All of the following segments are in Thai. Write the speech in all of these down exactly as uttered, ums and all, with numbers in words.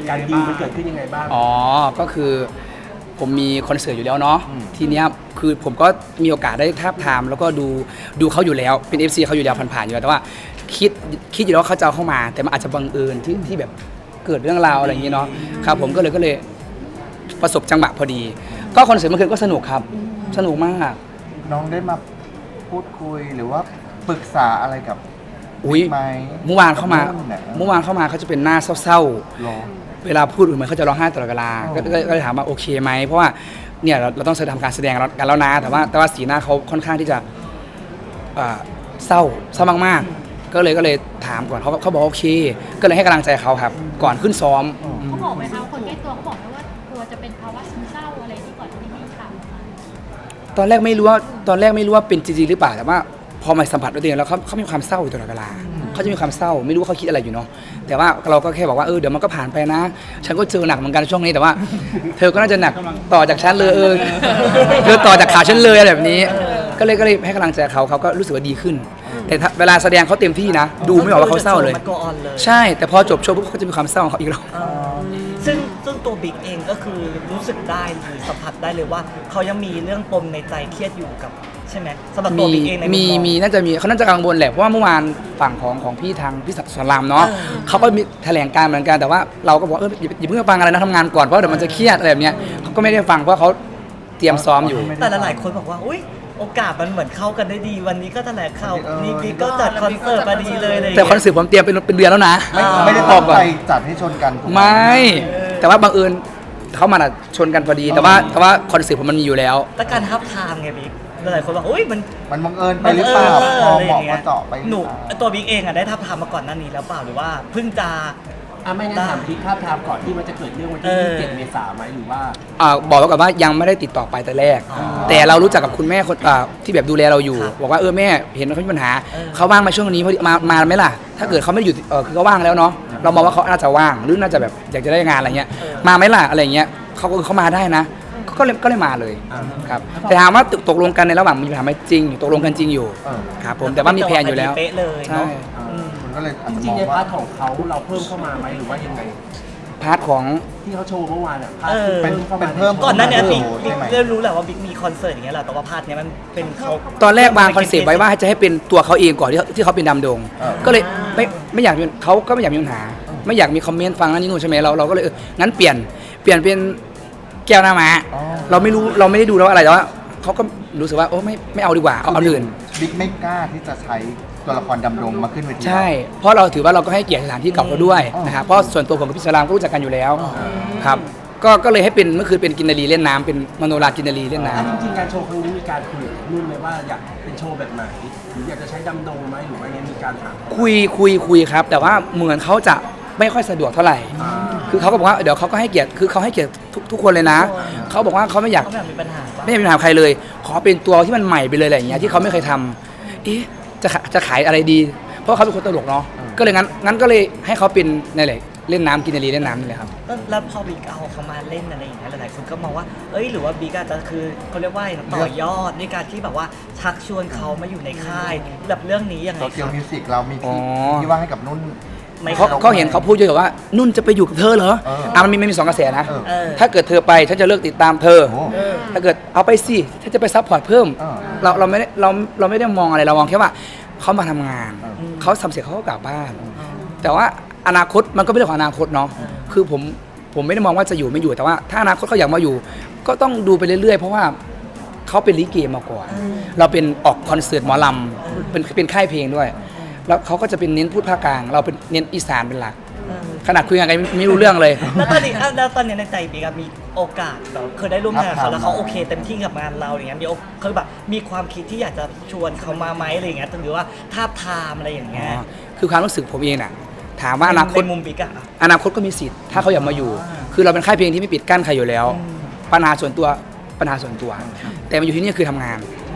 การดีลมันเกิดขึ้นยังไงบ้างอ๋อก็คือผมมีคอนเสิร์ตอยู่แล้วเนาะทีเนี้ยคือผมก็มีโอกาสได้ทาบทามแล้วก็ดูดูเขาอยู่แล้วเป็น เอฟ ซี เขาอยู่แล้วผ่านๆอยู่แล้วแต่ว่าคิดคิดอยู่แล้วว่าเขาจะเอาเข้ามาแต่มันอาจจะบังเอิญที่ที่แบบเกิดเรื่องราวอะไรอย่างนี้เนาะครับผมก็เลยก็เลยประสบจังหวะพอดี ก็คอนเสิร์ตเมื่อคืนก็สนุกครับสนุกมากน้องได้มาพูดคุยหรือว่าปรึกษาอะไรกับอุ้ยไหมเมื่อวานเข้ามานุ่นน่ะเมื่อวานเข้ามาเขาจะเป็นหน้าเศร้าหรอๆเวลาพูดเหมือนเขาจะร้องไห้ตลอดเวลาอ๋อก็ก็ก็เลยถามว่าโอเคไหมเพราะว่าเนี่ยเราเราต้องทำการแสดงกันแล้วนะแต่ว่าแต่ว่าสีหน้าเขาค่อนข้างที่จะเอ่อเศร้าเศร้ามากๆก็เลยก็เลยถามก่อนเขาเขาบอกโอเค ก็เลยให้กำลังใจเขาครับ ก่อนขึ้นซ้อมเขาบอกไหมคะคนใกล้ตัวเขาบอกไหมว่ากลัวจะเป็นภาวะซึมเศร้าอะไรที่ก่อนที่มีข่าวออกมาตอนแรกไม่รู้ว่าตอนแรกไม่รู้ว่าเป็นจริงๆหรือเปล่าแต่ว่าพอมาสัมผัสด้วยตัวเองแล้วเขาเขามีความเศร้าอยู่ตลอดเวลาเขาจะมีความเศร้าไม่รู้ว่าเขาคิดอะไรอยู่เนาะแต่ว่าเราก็แค่บอกว่าเออเดี๋ยวมันก็ผ่านไปนะ ฉันก็เจอหนักเหมือนกันช่วงนี้แต่ว่า เธอก็น่าจะหนักต่อจากฉันเลยเออเธอต่อจากขาฉันเลยอะไรแบบนี้ ก็เลยก็เลยให้กำลังใจเขาเขาก็รู้สึกว่าดีขึ้น แต่ถ้าเวลาแสดงเขาเต็มที่นะ ดูไม่ออกว่าเขาเศร้าเลยมัน go on เลยใช่แต่พอจบโชว์ปุ๊บเขาจะมีความเศร้าของเขาอีกแล้วเออซึ่งซึ่งตัวบิ๊กเองก็คือรู้สึกได้หรือสัมผัสได้เลยว่าเขายังมีเรื่องปมในใจเครียดอยู่กับใช่ไหมสำหรับตัวมีบิ๊กเองในมีมุมมองมีน่าจะมีเขาน่าจะกังวลแหละเพราะว่าเมื่อวานฝั่งของของพี่ทางพี่สอนรามเนาะเออเขาก็มีแถลงการณ์เหมือนกันแต่ว่าเราก็บอกเอออย่าอย่าเพิ่งฟังอะไรนะทำงานก่อนเพราะเดี๋ยวมันจะเครียดอะไรแบบเนี้ยเขาก็ไม่ได้ฟังเพราะเขาเตรียมซ้อมอยู่แต่หลายๆคนบอกว่าอุ้ยโอกาสมันเหมือนเข้ากันได้ดีวันนี้ก็แถลงข่าวนี่บิ๊กก็จัดคอนเสิร์ตมาดีเลยอะไรอย่างแต่เลยคอนเสิร์ตผมเตรียมเป็นเป็นเดือนแล้วนะไม่อ่าไม่ได้อตั้อง กก่อนใจจัดให้ชนกันถูกหไม่ แต่ว่าบังเอิญเขามาน่ะชนกันพอดี แต่ว่าแต่ว่าคอนเสิร์ตผมมันมีอยู่แล้วแต่การทับทามไงบิ๊กหลายๆคนบอกอุ้ยมันมันบังเอิญไปหรือเปล่าพอเหมาะพอเจาะไปหหรืนูอเปล่าตัวบิ๊กเองอะได้ทับทามมาก่อนหน้านี้แล้วเปล่าหรือว่าเพิ่งจะอ่ะไม่งั้นถามพี่ภาพทามก่อนที่มันจะเกิดเรื่องวันที่เออยี่สิบเจ็ดเมษายนไหมหรือว่าอ่าบอกไว้ก่อนว่ายังไม่ได้ติดต่อไปแต่แรกอ๋อแต่เรารู้จักกับคุณแม่คนอ่าที่แบบดูแลเราอยู่ครับบอกว่าเออแม่เห็นเขามีปัญหาเออเขาว่างมาช่วงนี้พอดีมามาไหมล่ะ ถ้าเกิดเขาไม่ได้อยู่เออคือเขาว่างแล้วเนาะเรามองว่าเขาน่าจะว่างหรือน่าจะแบบอยากจะได้งานอะไรเงี้ยมาไหมล่ะอะไรเงี้ยเขาก็เขามาได้นะก็เลยก็เลยมาเลยอ่าครับแต่ถามว่าตกตกลงกันในระหว่างมีปัญหาไหมจริงตกลงกันจริงอยู่เออครับผมแต่ว่ามีแผนอยู่แล้วเป๊ะเลยใช่เนาะมันก็เลยอาจจจะริมงองๆในว่าพาร์ทของเขาเราเพิ่มเข้ามาไหมหรือว่ายังไงพาร์ทของที่เขาโชว์เมื่อวานอ่ะพาร์ทเออที่เพิ่มเข้ามาเป็นเพิ่มก่อนหน้านี้บิ๊กโอ้โหบิ๊กใช่ไหมเริ่มรู้แหละว่าบิ๊กมีคอนเสิร์ตอย่างเงี้ยแหละแต่ว่าพาร์ทเนี้ยมันเป็นเขาตอนแรกวางคอนเซปต์ไว้ว่าจะให้เป็นตัวเขาเองก่อนที่ที่เขาเป็นดำดงเออก็เลยไม่ไม่อยากมีเขาก็ไม่อยากมีปัญหา ไม่อยากมีคอมเมนต์ฟังนั่นนี่นู่นใช่ไหมเราเราก็เลยเอองั้นเปลี่ยนเปลี่ยนเป็นแก้วหน้าม้าอ๋อเราไม่รู้เราไม่ได้ดูแล้วว่าอะไรแต่ว่าเขาก็รู้สึกว่าโอ้ไม่ไม่เอาดีกว่าเอาเอาอื่นบิ๊กไม่กล้าที่จะใช้ตัวละครดำรงมาขึ้นเวทีใช่ เพราะเราถือว่าเราก็ให้เกียรติสถานที่เก่าเขาด้วยอ๋อนะครับเพราะส่วนตัวผมกับพี่สลามก็รู้จักกันอยู่แล้วครับก็ก็เลยให้เป็นเมื่อคืนเป็นกินนารีเล่นน้ำเป็นมโนรากินนารีเล่นน้ำอ่ะจริงๆการโชว์ครั้งนี้มีการคุยกับนุ่นไหมว่าอยากเป็นโชว์แบบไหนหรืออยากจะใช้ดำดงไหมหรือว่ายังมีการถามคุยคุยคุยครับ แต่ว่าเหมือนเขาจะไม่ค่อยสะดวกเท่าไหร่อ่าคือเขาก็บอกว่าเดี๋ยวเขาก็ให้เกียรติคือเขาให้เกียรติทุกทุกคนเลยนะ เขาบอกว่าเขาไม่อยากเขาแบบมีปัญหาปะไม่อยากมีปัญหากับใครเลย ขอเป็นตัวที่มันใหม่ไปเลยอะไรอย่างเงี้ยที่เขาไม่เคยทำเอ๊ะจะขาจะขายอะไรดี เพราะเขาเป็นคนตลกเนาะก็เลยงั้นงั้นก็เลยให้เขาเป็นในแหละเล่นน้ำกินนารีเล่นน้ำนี่แหละครับแล้วพอบิ๊กเอาเขามาเล่นอะไรอย่างเงี้ยหลายๆคนก็มองว่าเอ้ยหรือว่าบิ๊กอาจจะคือเขาเรียกว่าอะไรนะต่อยอดในการที่แบบว่าชักชวนเขามาอยู่ในค่ายแบบเรื่องนี้ยังไงโซคเชียลรับมิวสิกเรามีที่อ๋อที่ว่างให้กับนุ่นไม่เขาเขาเห็นเขาพูดเยอะว่านุ่นจะไปอยู่กับเธอเหรอเอออ่อ่ะมันมีมันมีสองกระแสนะเออเออถ้าเกิดเธอไปฉันจะเลิกติดตามเธอโอ้เออถ้าเกิดเอาไปสิถ้าจะไปซัพพอร์ตเพิ่มเออเราเราไม่ได้เราเราไม่ได้มองอะไรเรามองแค่ว่าเขามาทำงานเออเขาทำเสร็จเขาก็กลับบ้าน แต่ว่าอนาคตมันก็เป็นเรื่องของอนาคตเนาะคือผมผมไม่ได้มองว่าจะอยู่ไม่อยู่แต่ว่า ถ้าอนาคตเขาอยากมาอยู่ ก็ต้องดูไปเรื่อยๆ เพราะว่าเขาเป็นลิเกมาก่อนเราเป็นออกคอนเสิร์ตหมอลำเป็นเป็นค่ายเพลงด้วย แล้วเขาก็จะเป็นเน้นพูดภาคกลาง เราเป็นเน้นอีสานเป็นหลักเออขนาดคุยกันไม่ไม่รู้เรื่องเลยแล้วตอนนี้อ่ะแล้วตอนนี้ในใจบิ๊กอะมีโอกาสแบบเคยได้ร่วมงานกับเขาแล้วเขาโอเคเต็มที่กับงานเราอย่างเงี้ยมีโอคือแบบมีความคิดที่อยากจะชวนเขามาไหมอะไรอย่างเงี้ยหรือว่าทาบทามอะไรอย่างเงี้ยอ๋อคือความรู้สึกผมเองน่ะถามว่าอนาคตในมุมบิ๊กอะอนาคตก็มีสิทธิ์ถ้าเขาอยากมาอยู่ คือเราเป็นค่ายเพลงที่ไม่ปิดกั้นใครอยู่แล้ว ปัญหาส่วนตัวปัญหาส่วนตัว แต่มาอยู่ที่นี่คือทำงาน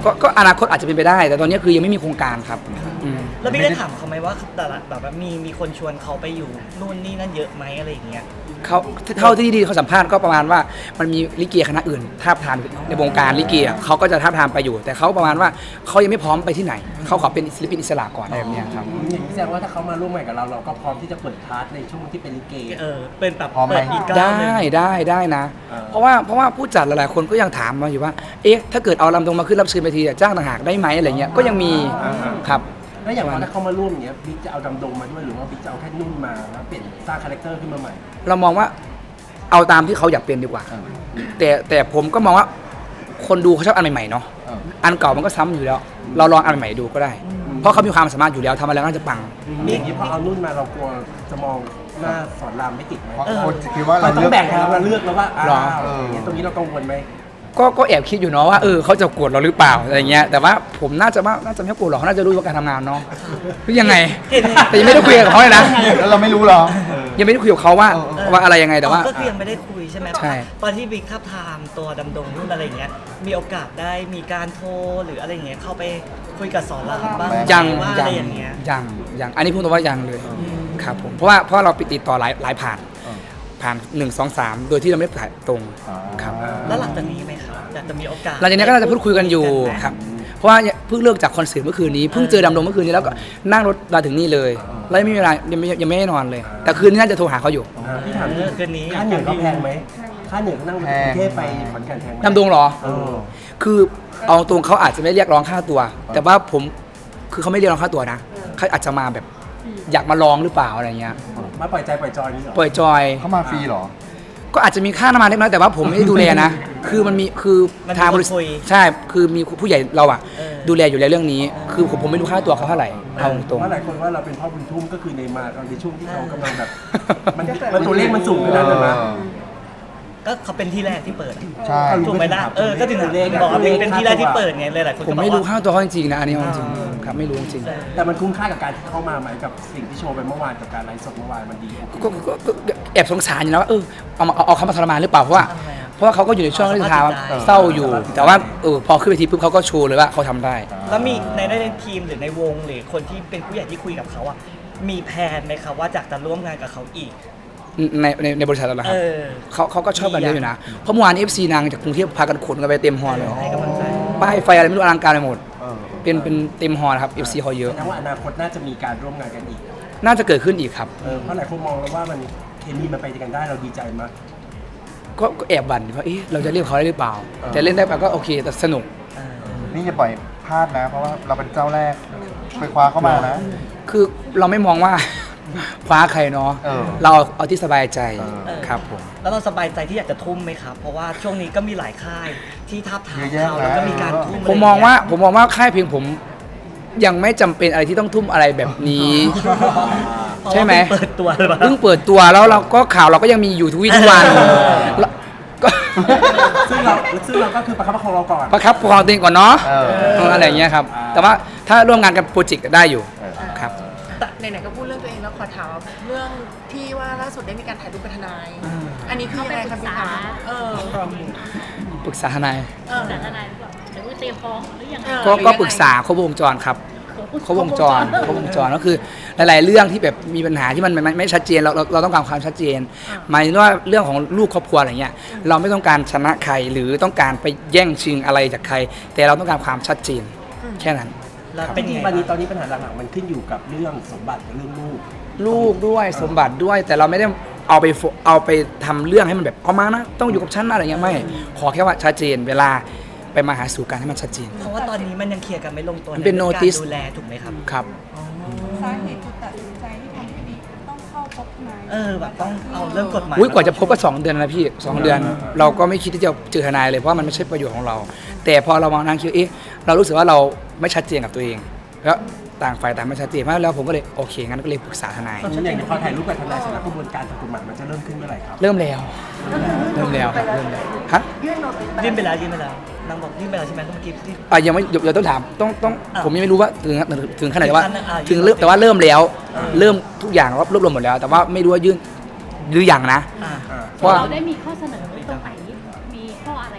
ก็ก็อนาคตอาจจะเป็นไปได้ แต่ตอนนี้คือยังไม่มีโครงการครับอืมแล้วพี่ได้ถามเขาไหมว่าแต่ละแบบว่ามีมีคนชวนเขาไปอยู่นู่นนี่นั่นเยอะไหมอะไรอย่างเงี้ยเขาเท่าที่ดีเขาสัมภาษณ์ก็ประมาณว่ามันมีลิเกคณะอื่นทาบทามในวงการลิเกอะเขาก็จะทาบทามไปอยู่ แต่เขาประมาณว่าเขายังไม่พร้อมไปที่ไหนเขาขอเป็นศิลปินอิสระก่อนอะไรแบบเนี้ยครับอย่างนี้แสดงว่าถ้าเขามาร่วมงานกับเราเราก็พร้อมที่จะเปิดพาร์ทในช่วงที่เป็นลิเกเออเป็นแบบพร้อมไหมเปิดอีกก้าวได้หนึ่งได้ได้นะอ่าเพราะว่าเพราะว่าผู้จัดหลายๆคนก็ยังถามมาอยู่ว่า เอ๊ะถ้าเกิดเอาลำตรงมาขึ้นรับเชิญไปทีอะจ้างต่างหากได้ไหมอะไรเงี้ยก็ยังมีครับแล้วอย่างว่าถ้าเขามาร่วมอย่างเงี้ยบิ๊กจะเอาดำดงมาด้วยหรือว่าบิ๊กจะเอาแค่นุ่นมาแล้วเปลี่ยนสร้างคาแรคเตอร์ขึ้นมาใหม่เรามองว่าเอาตามที่เขาอยากเป็นดีกว่าเออแต่แต่ผมก็มองว่าคนดูเขาชอบอันใหม่ๆเนาะเอออันเก่ามันก็ซ้ำอยู่แล้ว เราลองอันใหม่ๆดูก็ได้ เพราะเขามีความสามารถอยู่แล้วทำอะไรก็น่าจะปังอย่างนี้พอเอานุ่นมาเรากลัวจะมองหน้าสอนรามไม่ติดไหมเพราะคนคิดว่ามัเรานต้อเลือกงแบ่งให้เราเลือกแล้วว่าอ้าหรอวอย่างเงี้ยตรงนี้เรากังวลไหมก็ก็แอบคิดอยู่เนาะว่าเออเขาจะโกรธเราหรือเปล่าอะไรเงี้ยแต่ว่าผมน่าจะว่าน่าจะไม่โกรธหรอกเขาน่าจะรู้ว่าการทำงานเนาะหรือยังไงเห็นแต่ยังไม่ได้คุยกับเขาเลยนะแล้วเราไม่รู้หรอยังไม่ได้คุยกับเขาว่าเออเออว่าอะไรยังไงแต่ว่าอ๋อก็คือยังไม่ได้คุยใช่ไหมใช่ตอนที่บิ๊กทับทามตัวดำดงนู่นอะไรอย่างเงี้ยมีโอกาสได้มีการโทรหรืออะไรอย่างเงี้ยเข้าไปคุยกับสอนรามบ้างไหมยังว่ายัอะไรงอย่างเงี้ยยังยังอันนี้พูดตรงว่ายังเลยครับผมเพราะว่าเพราะเราไปติดต่อหลายหลายผ่านเออผ่านหนึ่งสองสามโดยที่เราไม่ได้ผ่านตรงอ่าครับแล้วหลังจากนี้ไหมครับอยากจะมีโอกาสหลังจากนี้ก็น่าจะพูดคุยกันอยู่ไหมครับเพราะว่าเพิ่งเลิกจากคอนเสิร์ตเมื่อคืนนี้เพิ่งเจอดำดงเมื่อคืนนี้แล้วก็นั่งรถมาถึงนี่เลยแล้วยังไม่มีเวลายังไม่ยังไม่ได้นอนเลย แต่คืนนี้น่าจะโทรหาเขาอยู่อ่าพี่ถามเออคืนนี้ค่าเหนื่อยเขาแพงไหมค่าเหนื่อยเขานั่งรถกรุงเทพไปขอนแก่นแพงไหมดำดงเหรอเออคือเอาตรงเขาอาจจะไม่เรียกร้องค่าตัว แต่ว่าผมคือเขาไม่เรียกร้องค่าตัวนะเขาอาจจะมาแบบอยากมาลองหรือเปล่าอะไรเงี้ยมาปล่อยใจปล่อยจอยนี่เหรอปล่อยจอยเขามาฟรีเหรอก็อาจจะมีค่าน้ำมันเล็กน้อยแต่ว่าผมไม่ได้ดูแลนะ คือมันมีคือมันมีทางบริษัคนทคุยใช่คือมีผู้ใหญ่เราอะเออดูแลอยู่แล้วเรื่องนี้ คือผมผมไม่รู้ค่าตัวเขาเท่าไหร่เอาตรงเพราะหลายคนว่าเราเป็นพ่อบุญทุ่มก็คือในมาตอนในช่วงที่เขากำลังแบบ มันมันตัวเลขมันสูงขนาดนั้นนะก็เขาเป็นที่แรกที่เปิดอะใช่ถูกไหมล่ะเออก็ถึงตัวเลขบอกว่าเป็นเป็นที่แรกที่เปิดไงเลยหลายคนผมก็บอกไม่รู้ว่าค่าตัวเขาจริงๆนะอันนี้เอาจริงๆครับไม่รู้จริงแต่มันคุ้มค่ากับการที่เข้ามาไหมกับสิ่งที่โชว์ไปเมื่อวานกับการไลฟ์สดเมื่อวานมันดีๆก็ก็ก็ก็แอบสงสารอยู่นะว่าเออเอามาเอาเอาเขามาทรมานหรือเปล่าเพราะว่าทำไมอะเพราะว่าเขาก็อยู่ในช่วงที่ทางเออเศร้าอยู่ แต่ว่าเออพอขึ้นไปทีปุ๊บเขาก็โชว์เลยว่าเขาทำได้แล้วมีในในทีมหรือในวงหรือคนที่เป็นผู้ใหญ่ที่คุยกับเขาอ่ะมีแผนไหมครับว่าอยากจะร่วมงานกับเขาอีกในในในบริษัทเราเหรอคเอรับอเขาเขาก็ชอบกันเยอะอยู่นะเพราะเมื่อวาน เอฟ ซี นางจากกรุงเทพพากันขนกันไปเต็มฮอลเลยให้กำลังใจป้ายไฟอะไรไม่รู้อลังการไปหมดเออเป็นเป็นเต็มฮอลนะครับ เอฟ ซี เขาเยอะแสดงว่าอนาคตน่าจะมีการร่วมงานกันอีกน่าจะเกิดขึ้นอีกครับเออเพราะหลายคนมองแล้วว่ามันเคมีมันไปด้วยกันได้เราดีใจมากก็ก็แอบบั่นว่าเอ๊ะเราจะเรียกเขาได้หรือเปล่า แต่เล่นได้ไปก็โอเคแต่สนุกเออนี่อย่าปล่อยพลาดนะ เพราะว่าเราเป็นเจ้าแรกไปคว้าเข้ามานะคือเราไม่มองว่า คว้าใครเนาะเออเราเอาที่สบายใจเออครับผมแล้วเราสบายใจที่อยากจะทุ่มไหมครับ เพราะว่าช่วงนี้ก็มีหลายค่ายที่ทับทามเยอะแยะเขาแล้วก็มีการนะทุ่มผมมองว่าผมมองว่าค่ายเพลงผม ยังไม่จำเป็นอะไรที่ต้องทุ่มอะไรแบบนี้ ใช่ไหมเปิดตัวเลยปะเพิ่งเปิดตัวแล้วเราก็ข่าวเราก็ยังมีอยู่ทุกวี่ทุกวันแล้วก็ซึ่งเราซึ่งเราก็คือประคับประคองเราก่อนประคับประคองตัวเองก่อนเนาะเออเอออะไรอย่างเงี้ยครับ แต่ว่าถ้าร่วมงานกับโปรเจกต์ได้อยู่เออครับแต่ไหนๆก็พูดเรื่องตัวเองแล้วขอถามเรื่องที่ว่าล่าสุดได้มีการถ่ายรูปเป็นทนาย อันนี้คือยังไงครับพี่คะเออปรึกษาทนายเออสารอะไรหรือเปล่าหรือว่าเตรียมฟ้องหรือยังไงเออก็ก็ปรึกษาครบวงจรครับ ครบวงจรครบวงจรก็คือหลาย ๆ เรื่องที่แบบมีปัญหาที่มันไม่ไม่ชัดเจนเราเราเราต้องการความชัดเจน หมายถึงว่าเรื่องของลูกครอบครัวอะไรเงี้ยเราไม่ต้องการชนะใครหรือต้องการไปแย่งชิงอะไรจากใคร แต่เราต้องการความชัดเจนแค่นั้นแล้วเป็เป็น นจริยัง งๆไงวันนี้ตอนนี้ปัญหาหลักๆมันขึ้นอยู่กับเรื่องสมบัติกับเรื่องลูกลูกด้วยสมบัติด้วยแต่เราไม่ได้เอาไปโฟเอาไปทำเรื่องให้มันแบบเอามานะต้องอยู่กับฉันนะอะไรเงี้ยไม่ขอแค่ว่าชัดเจนเวลาไปมาหาสู่กันให้มันชัดเจนเพราะว่าตอนนี้มันยังเคลียร์กันไม่ลงตัวมันเป็นใรื่องการ notice ดูแลถูกไหมครับครับสาเหตุจุดตัดสินใจที่ทำให้บิ๊กต้องเข้าพบทนายเออแบบต้องเอาเรื่องกฎหมายอุ้ยกว่าจะพบก็สองเดือนนะพี่สองเดือน เราก็ไม่คิดที่จะเจอทนายเลยเพราะว่ามันไม่ใช่ประโยชน์ของเรา แต่พอเรามานั่งคิดเอ๊ะเรารู้สึกว่าเราไม่ชัดเจนกับตัวเอง แล้วต่างฝ่ายต่างไม่ชัดเจนมากแล้วผมก็เลยโอเคงั้นก็เลยปรึกษาทนายฉันอย่างพอถ่ายรูปกับทนายเสร็จแล้วกระบวนการทางกฎหมายมันจะเริ่มขึ้นเมื่อไหร่ครับเริ่มแล้ว เริ่มแล้วครับเริ่มแล้วฮะยื่นไปแล้วยื่นไปแล้วนางบอกยื่นไปแล้วใช่ไหมเมื่อกี้ที่อ่ะยังไม่เดี๋ยวต้องถามต้องต้องอ้าวผมยังไม่รู้ว่าถึงถึงขนาดไหนว่าถึงขั้นอ่ะถึงเริ่มแต่ว่าเริ่มแล้ว เริ่มทุกอย่างรวบรวมหมดแล้ว แต่ว่าไม่รู้ว่ายื่นหรือยังนะอ่าเพราะว่าเราได้มีข้อเสนอตรงไหนมีข้ออะไรบ้างอัน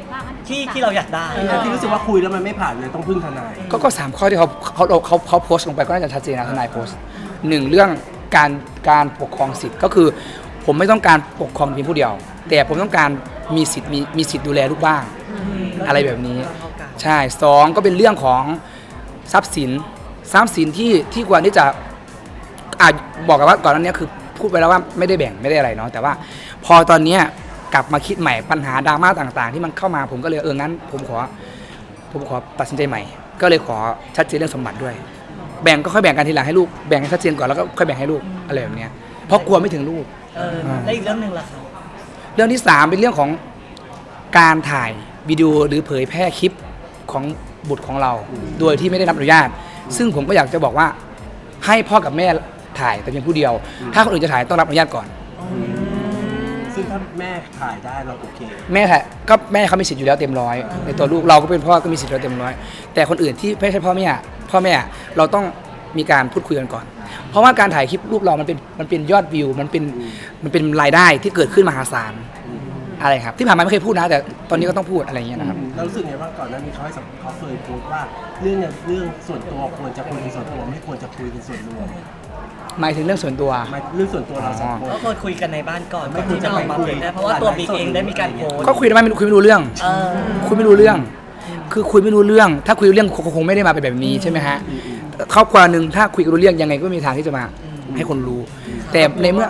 ที่ที่เราอยากได้ที่รู้สึกว่าคุยแล้วมันไม่ผ่านเลยต้องพึ่งทนายก็ก็สามข้อที่เขาเขาเขาเขาโพสต์ลงไปก็น่าจะชัดเจนนะทนายโพสต์หนึ่งเรื่องการการปกครองสิทธิ์ก็คือ ผมไม่ต้องการปกครองเพียงผู้เดียว แต่ผมต้องการมีสิทธิ์มีมีสิทธิ์ดูแลลูกบ้าง อะไรแบบนี้ ใช่สองก็เป็นเรื่องของทรัพย์สินทรัพย์สินที่ที่ควรที่จะอาจบอกกันว่าก่อนหน้านี้คือพูดไปแล้วว่าไม่ได้แบ่งไม่ได้อะไรเนาะแต่ว่าพอตอนเนี้ยกลับมาคิดใหม่ปัญหาดราม่าต่างๆ ที่มันเข้ามาผมก็เลยเอองั้นผมขอผมขอตัดสินใจใหม่ ก็เลยขอชัดเจนเรื่องสมบัติด้วย แบ่งก็ค่อยแบ่งกันทีหลังให้ลูกแบ่งให้ชัดเจนก่อนแล้วก็ค่อยแบ่งให้ลูกอะไรแบบเนี้ยเพราะกลัวไม่ถึงลูกเออแล้วอีกเรื่องหนึ่งล่ะครับเรื่องที่สามเป็นเรื่องของการถ่ายวิดีโอหรือเผยแพร่คลิปของบุตรของเรา โดยที่ไม่ได้รับอนุญาต ซึ่งผมก็อยากจะบอกว่าให้พ่อกับแม่ถ่ายแต่เพียงผู้เดียว ถ้าคนอื่นจะถ่ายต้องรับอนุญาตก่อนซึ่งถ้าแม่ถ่ายได้เราโอเคแม่ถ่ายก็แม่เขามีสิทธิ์อยู่แล้วเต็มร้อยในตัวลูกเราก็เป็นพ่อก็มีสิทธิ์อยู่แล้วเต็มร้อยแต่คนอื่นที่ไม่ใช่พ่อแม่พ่อแม่เราต้องมีการพูดคุยกันก่อน เพราะว่าการถ่ายคลิปรูปเรามันเป็นมันเป็นยอดวิวมันเป็นมันเป็นรายได้ที่เกิดขึ้นมหาศาลอะไรครับที่ผ่านมาไม่เคยพูดนะแต่ตอนนี้ก็ต้องพูดอะไรอย่างเงี้ยนะครับเรารู้สึกไงว่าก่อนหน้านี้เขาให้สัมเขาเคยพูดว่าเรื่องเนี่ยเรื่องส่วนตัวควรจะคุยเป็นส่วนตัวไม่ควรจะคุยเป็นส่วนรวมหมายถึงเรื่องส่วนตัวหมายเรื่องส่วนตัวเราสองคนก็ควรคุยกันในบ้านก่อนก่อนที่จะออกมาเผยแพร่เพราะว่าตัวบิ๊กเองได้มีการโพสต์ก็คุยได้ไหมไม่คุยไม่รู้เรื่องเออคุยไม่รู้เรื่อง คือคุยไม่รู้เรื่อง ถ้าคุยรู้เรื่องคงคงไม่ได้มาเป็นแบบนี้ใช่ไหมฮะครอบครัวหนึ่งถ้าคุยกันรู้เรื่องยังไงก็มีทางที่จะมาให้คนรู้ แต่ในเมื่อ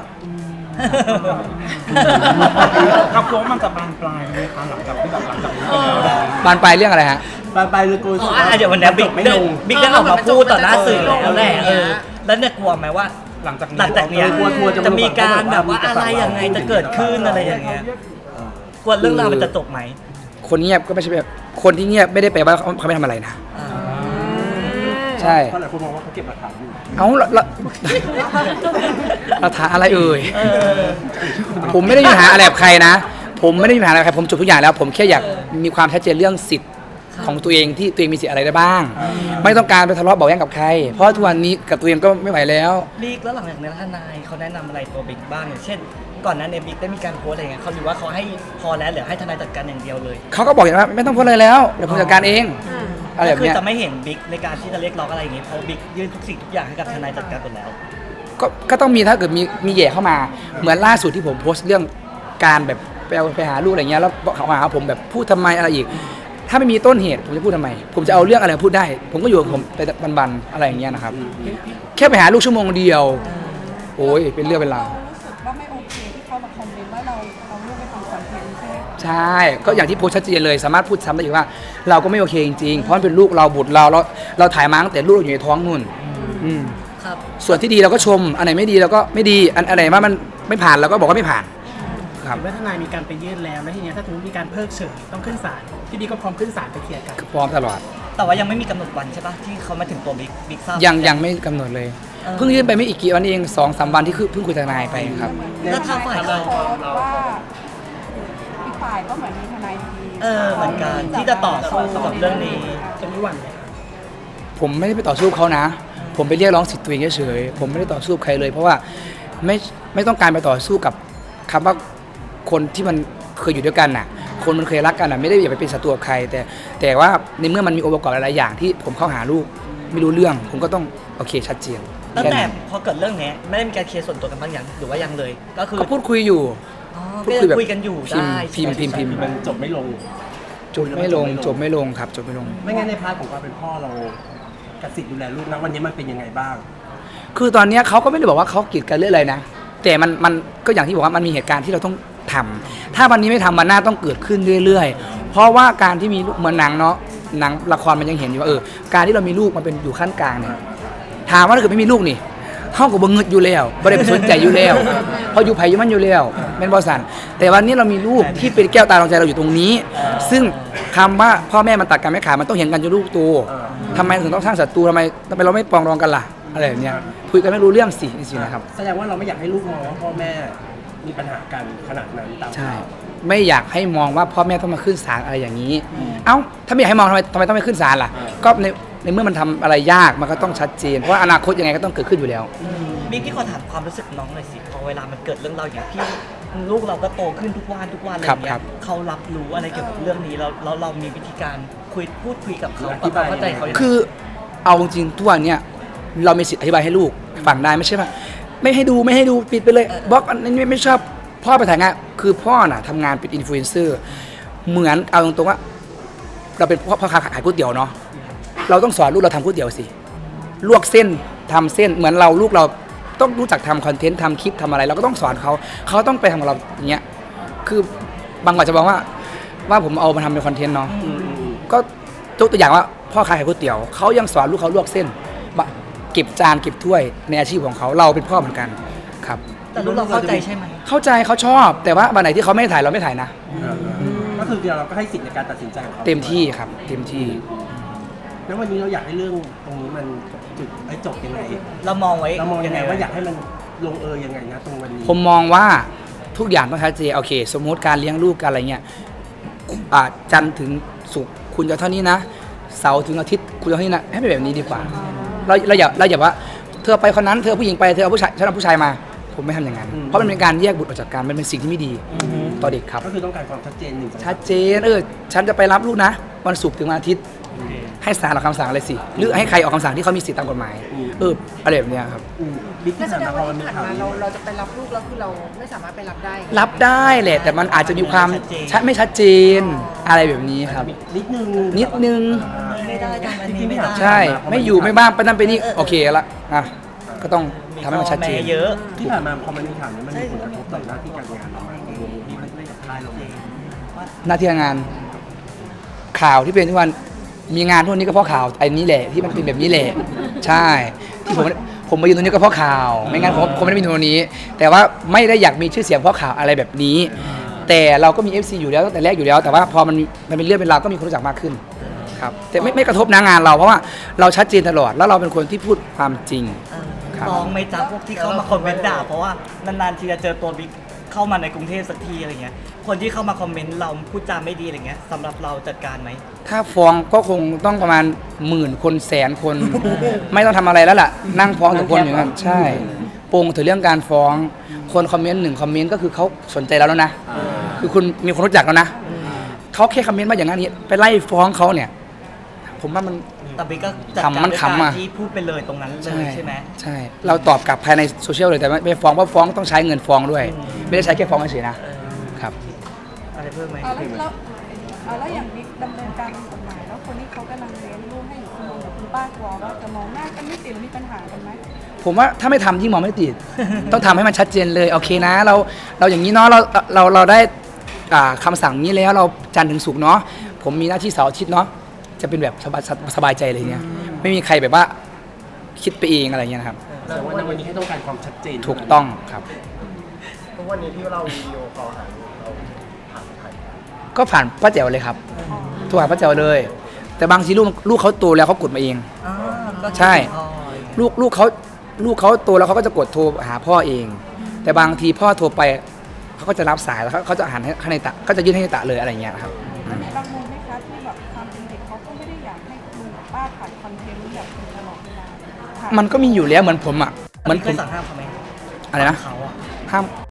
ครับกลัวว่ามันจะบานปลายไหมคะหลังจากที่แบบหลังจากนี้ไปแล้วเนี่ยบานปลายเรื่องอะไรฮะไปไปเลยกูอ๋ออ่ะเดี๋ยววันนี้บิ๊กไม่ได้ลงบิ๊กได้ออกมาพูดต่อหน้าสื่อแล้วแหละเออแล้วเนี่ยกลัวไหมว่าหลังจากนี้หลังจากเนี้ยกลัวกลัวจะจะมีการแบบว่าอะไรยังไงจะเกิดขึ้นอะไรอย่างเงี้ยกลัวเรื่องราวมันจะจบไหมคนเงียบก็ไม่ใช่แบบคนที่เงียบไม่ได้แปลว่าเขาเขาไม่ทำอะไรนะอ่าใช่เพราะหลายคนมองว่าเขาเก็บหลักฐานอยู่เอาเราเราเราถามอะไรเอ่ยเออผมไม่ได้มีปัญหาอะไรกับใครนะ ผมไม่ได้มีปัญหาอะไรกับใครผมจบทุกอย่างแล้ว ผมแค่อยากมีความชัดเจนเรื่องสิทธิ์ของตัวเองที่ตัวเองมีสิทธิ์อะไรได้บ้าง ไม่ต้องการไปทะเลาะเบาะแว้งกับใคร เพราะทุกวันนี้กับตัวเองก็ไม่ไหวแล้วบิ๊กแล้วหลังจากนี้ทนายเขาแนะนำอะไรตัวบิ๊กบ้างอย่างเช่น ก่อนหนั้นเนี่ยบิ๊กได้มีการโพสต์อะไรเงี้ยเขาหรือว่าเขาให้พอแล้วเหลือให้ทนายจัดการอย่างเดียวเลยเขาก็บอกอย่างว่าไม่ต้องพูดอะไรแล้วเดี๋ยวผมจัดการเองอะไรแบบคือเนี้ยจะไม่เห็นบิ๊กในการที่จะเรียกร้องอะไรอย่างงี้เพราะบิ๊กยื่นทุกสิ่งทุกอย่างให้กับทนายจัดการหมดแล้วก็ก็ต้องมีถ้าเกิดมีมีแย่เข้ามาเหมือนล่าสุดที่ผมโพสต์เรื่องการแบบไปเอาไปหาลูกอะไรเงี้ยแล้วเขามาหาผมแบบพูดทำไมอะไรอีก ถ้าไม่มีต้นเหตุผมจะพูดทำไม ผมจะเอาเรื่องอะไรมาพูดได้ ผมก็อยู่กับผมไปบันๆอะไรอย่างเงี้ยนะครับ แค่ไปหาลูกชั่วโมงเดียว โอ้ยเป็นเรื่องเป็นราวเรารู้สึกว่าไม่โอเคที่เขามาคอมเมนต์ว่าเราเอาลูกไปทำคอนเทนต์ใช่ไหมใช่ ก็อย่างที่โพสต์ชัดเจนเลยสามารถพูดซ้ำได้อีกว่า เราก็ไม่โอเคจริงๆ เพราะมันเป็นลูกเราบุตรเราเราเราถ่ายมาตั้งแต่ลูกเราอยู่ในท้องนู่นอืมครับส่วนที่ดีเราก็ชม อันไหนไม่ดีเราก็ไม่ดีอันอันไหนว่ามันไม่ผ่านเราก็บอกว่าไม่ผ่านครับเมื่อทนายมีการไปยื่นแล้วแล้วทีเนี้ยถ้าสมมติมีการเพิกเฉยต้องขึ้นศาลพี่บีก็พร้อมขึ้นศาลไปเคลียร์กันพร้อมตลอดแต่ว่ายังไม่มีกำหนดวันใช่ปะที่เขามาถึงตัวบิ๊กบิ๊กทราบยังยังไม่กำหนดเลยเออเพิ่งยื่นไปไม่อีกกี่วันเองสองสามวันที่คือเพิ่งคุยทนายไปครับแล้วทางฝ่ายเราโพสต์ว่าอีกฝ่ายก็เหมือนมีทนายดีเออเหมือนกันที่จะต่อสู้กับเรื่องนี้จะไม่หวั่นเลยผมไม่ได้ไปต่อสู้เขานะ ผมไปเรียกร้องสิทธิ์ตัวเองเฉยๆผมไม่ได้ต่อสู้กับใครเลย เพราะว่าไม่ไม่ต้องการไปต่อสู้กับคำว่าคนที่มันเคยอยู่ด้วยกันน่ะ คนมันเคยรักกันน่ะไม่ได้อยากไปเป็นศัตรูกับใคร แต่แต่ว่าในเมื่อมันมีองค์ประกอบหลายๆอย่างที่ผมเข้าหาลูกไม่รู้เรื่อง ผมก็ต้องโอเคชัดเจนตั้งค่แต่นั้นพอเกิดเรื่องนี้ไม่ได้มีการเคลียร์ส่วนตัวกันบ้างยังหรือว่ายังเลย ก็คือก็พูดคุยอยู่อ๋อพูก็ดคุยยังแบบคุยกันอยู่พิมพ์ได้พิมพ์พิมพ์พิมพ์มันจบไม่ลงจบไม่ลงจบไม่ลงครับจบไม่ลงไม่งั้นในพาร์ทของความเป็นพ่อเรากับสิทธิ์ดูแลลูกนะวันนี้มันเป็นยังไงบ้างคือตอนเนี้ยเขาก็ไม่ได้บอกว่าเขากีดกันเรื่องอะไรนะ แต่มันมันก็อย่างที่บอกว่ามันมีเหตุการณ์ที่เราต้องทำถ้าวันนี้ไม่ทำมันหน้าต้องเกิดขึ้นเรื่อยๆ เพราะว่าการที่มีลูกเหมือนหนังเนาะหนังละครมันยังเห็นอยู่ว่าเออการที่เรามีลูกมันเป็นอยู่ขั้นกลางเนี่ยถามว่าถ้าเกิดไม่มีลูกนี่เท่ากับบังเงิดอยู่แล้วไม่ได้ไปสนใจอยู่แล้วเพราะอยู่ไผ่อยู่มันอยู่แล้วเป็นบอสันแต่วันนี้เรามีลูกที่เป็นแก้วตาดวงใจเราอยู่ตรงนี้ ซึ่งคำว่าพ่อแม่มันตัดกันไม่ขาดมันต้องเห็นกันจนลูกโตทำไมถึงต้องสร้างศัตรูทำไมทำไมเราไม่ปรองดองกันล่ะอะไรแบบเนี้ยคุยกันไม่รู้เรื่องสิจริงๆนะครับแสดงว่าเราไม่อยากให้ลูกมองว่าพ่อแม่มีปัญหากันขนาดนั้นตามใช่ ไม่อยากให้มองว่าพ่อแม่ต้องมาขึ้นศาลอะไรอย่างนี้ เอ้าถ้าไม่อยากให้มองทำไมทำไมต้องไปขึ้นศาลล่ะ ก็ในในเมื่อมันทำอะไรยากมันก็ต้องชัดเจนเพราะว่าอนาคตยังไงก็ต้องเกิดขึ้นอยู่แล้วบิ๊กพี่ขอถามความรู้สึกน้องหน่อยสิพอเวลามันเกิดเรื่องเราวอย่างพี่ลูกเราก็โตขึ้นทุกวันทุกวันอะไรครับเงี้ครัยบเขารับรู้อะไรเกี่ยวกับเรื่องนี้แล้วแล้วเรามีวิธีการคุยพูดคุยกับเขาอธิบายเข้าใจเขายังไงคือเอาจริงๆทุกวันเนี่ยเรามีสิทธิ์อธิบายให้ลูกฟังได้ไม่ใช่ว่าไม่ให้ดูไม่ให้ดูปิดไปเลยบล็อกอันนี้ไม่ไม่ชอบพ่อไปถ่ายงานคือพ่อน่ะทำงานเป็นอินฟลูเอนเซอร์เหมือนเอาตรงๆว่า เราเป็นพ่อพ่อค้าขายก๋วยเตี๋ยวเนาะเราต้องสอนลูกเราทำก๋วยเตี๋ยวสิลวกเส้นทำเส้นเหมือนเราลูกเราต้องรู้จักทำคอนเทนต์ทำคลิปทำอะไรเราก็ต้องสอนเขาเขาต้องไปทำกับเราอย่างเงี้ยคือบางคนจะบอกว่าว่าผมเอามาทำเป็นคอนเทนต์เนาะอืมอืมอืมก็ยกตัวอย่างว่าพ่อขายก๋วยเตี๋ยวเขายังสอนลูกเขาลวกเส้นบะเก็บจานเก็บถ้วยในอาชีพของเขาเราเป็นพ่อเหมือนกันครับแต่ลูกเราเข้าใจใช่ไหมเข้าใจเขาชอบ แต่ว่าวันไหนที่เขาไม่ถ่ายเราไม่ถ่ายนะก็คือเราก็ให้สิทธิ์ในการตัดสินใจของเขาเต็มที่ครับเต็มที่แล้ววันนี้เราอยากให้เรื่องตรงนี้มันจุดไอ้จบยังไงเรามองไว้เรามองยังไงว่าอยากให้มันลงเอยยังไงนะตรงวันนี้ผมมองว่าทุกอย่างต้องชัดเจนโอเค สมมติการเลี้ยงลูกการอะไรเงี้ยอ่าจันทร์ถึงศุกร์คุณจะเท่านี้นะเสาร์ถึงอาทิตย์คุณจะเท่านี้นะให้เป็นแบบนี้ดีกว่า เราเราอย่าเราอย่าว่าเธอไปคนนั้นเธอผู้หญิงไปเธอเอาผู้ชายฉันเอาผู้ชายมา ผมไม่ทำอย่างนั้น เพราะมันเป็นการแยกบุตรออกจากกันมันเป็นสิ่งที่ไม่ดีต่อเด็กครับก็คือต้องการความชัดเจนหนึ่งสองสามชัดเจนเออฉันจะไปรับลูกนะวันศุกร์ถึงวันอาทิตย์ ให้ศาลออกคำสั่งอะไรสิหรือให้ใครออกคำสั่งที่เขามีสิทธิตามกฎหมายเอออะไรแบบเนี้ยครับอืมบิ๊กก็ที่แสผ่านดงมาพอว่ามันมีที่ผ่านข่าวมานี้เราเราจะไปรับลูกแล้วคือเราไม่สามารถไปรับได้รับได้แหละแต่มันอาจจะมีความชัดไม่ชัดเจนอะไรแบบนี้ครับนิดนึงนิดนึงไม่ได้ทำอันนี้ไม่ได้ใช่ไม่อยู่ไม่บ้างไปนั่นไปนี่โอเคละอ่ะก็ต้องทำให้มันชัดเจนแม่เยอะที่ผ่านมาพอมันมีข่าวนี้มันมีผลกระทบต่อหน้าที่การงานเราไหมวงที่ไม่ได้กับค่ายเราเลยหน้าที่การงานข่าวที่เป็นทุกวันมีงานพวกนี้ก็เพราะข่าวไอ้นี้แหละที่มันเป็นแบบนี้แหละใช่ที่ผมผมมาอยู่ตรงนี้ก็เพราะข่าว ไม่งั้นผมผมไม่ได้มีตรงนี้ แต่ว่าไม่ได้อยากมีชื่อเสียงเพราะข่าวอะไรแบบนี้ แต่เราก็มี เอฟ ซี อยู่แล้วตั้งแต่แรกอยู่แล้ว แต่ว่าพอมันมันเป็นเรื่องเป็นราวก็มีคนรู้จักมากขึ้นครับแต่ไม่ไม่กระทบนะงานเราเพราะว่าเราชัดเจนตลอดแล้วเราเป็นคนที่พูดความจริง ครับฟ้องไหม่จ้าพวกที่เข้ามาคอมเมนต์ด่าเพราะว่านานๆทีจะเจอตัวบิ๊กเข้ามาในกรุงเทพสักทีอะไรเงี้ยคนที่เข้ามาคอมเมนต์เราพูดจาไม่ดีอะไรเงี้ยสำหรับเราจัดการไหมถ้าฟ้องก็คงต้องประมาณหมื่นคนแสนคน ไม่ต้องทำอะไรแล้วล่ะ นั่งฟ้องทุกคนอย่างนั้นใช่ปงถึงเรื่องการฟ้องคนคอมเมนต์หนึ่งคอมเมนต์ก็คือเขาสนใจเราแล้วนะ คือคุณมีคนรู้จักแล้วนะเขาแค่คอมเมนต์มาอย่างนั้นนี้ไปไล่ฟ้องเขาเนี่ย ผมว่ามันแต่บิ๊กก็จัดขำการมันด้วยขำการอะที่พูดไปเลยตรงนั้นเลยใช่ไหมใช่ เราตอบกลับภายในโซเชียลเลยแต่ไม่ฟ้องเพราะฟ้องต้องใช้เงินฟ้องด้วย ไม่ได้ใช้แค่ฟ้องเฉยๆนะเออครับอะไรเพิ่มไหมเอาแล้วแล้วเอาแล้วอย่างนี้ดำเนินการทางกฎหมายแล้วคนที่เขากำลังเลี้ยงลูกให้อยู่คุณลุงกับคุณป้ากลัวว่าจะมองหน้ากันไม่ติดหรือมีปัญหากันไหมผมว่าถ้าไม่ทำยิ่งมองไม่ติด ต้องทำให้มันชัดเจนเลยโอเคนะ เราเราอย่างนี้เนาะเราเราเราได้อ่าคำสั่งนี้แล้วเราจันทร์ถึงศุกร์เนาะผมมีหน้าที่เสาร์อาทิตย์เนาะจะเป็นแบบสบายสบายใจเลยเนี่ยไม่มีใครแบบว่าคิดไปเองอะไรเงี้ยนะครับแต่ว่าในวันนี้ให้ต้องการความชัดเจนถูกต้องครับทุกวันนี้ที่เราวิดีโอคอลหาเราผ่านใครก็ผ่านป้าแจ๋วเลยครับโทรหาป้าแจ๋วเลย แต่บางทีลูกลูกเขาโตแล้วเขากดมาเองอ่าก็ใช่อ๋อลูกลูกเขาลูกเขาโตแล้วเขาก็จะกดโทรหาพ่อเอง แต่บางทีพ่อโทรไปเขาก็จะรับสายแล้วเขาเขาจะหันให้ให้ในตะก็จะยื่นให้ในตะเลยอะไรเงี้ยครับแล้วมีบางมุมไหมคะที่แบบความเป็นเด็กเขาก็ไม่ได้อยากให้ลุงกับป้าถ่ายคอนเทนต์แบบตลอดเวลาถ่ายมันก็มีอยู่แล้วเหมือนผมอ่ะเหมือนเคผมยสั่งห้ามเขาไหมอะไรนะเขาอะห้าม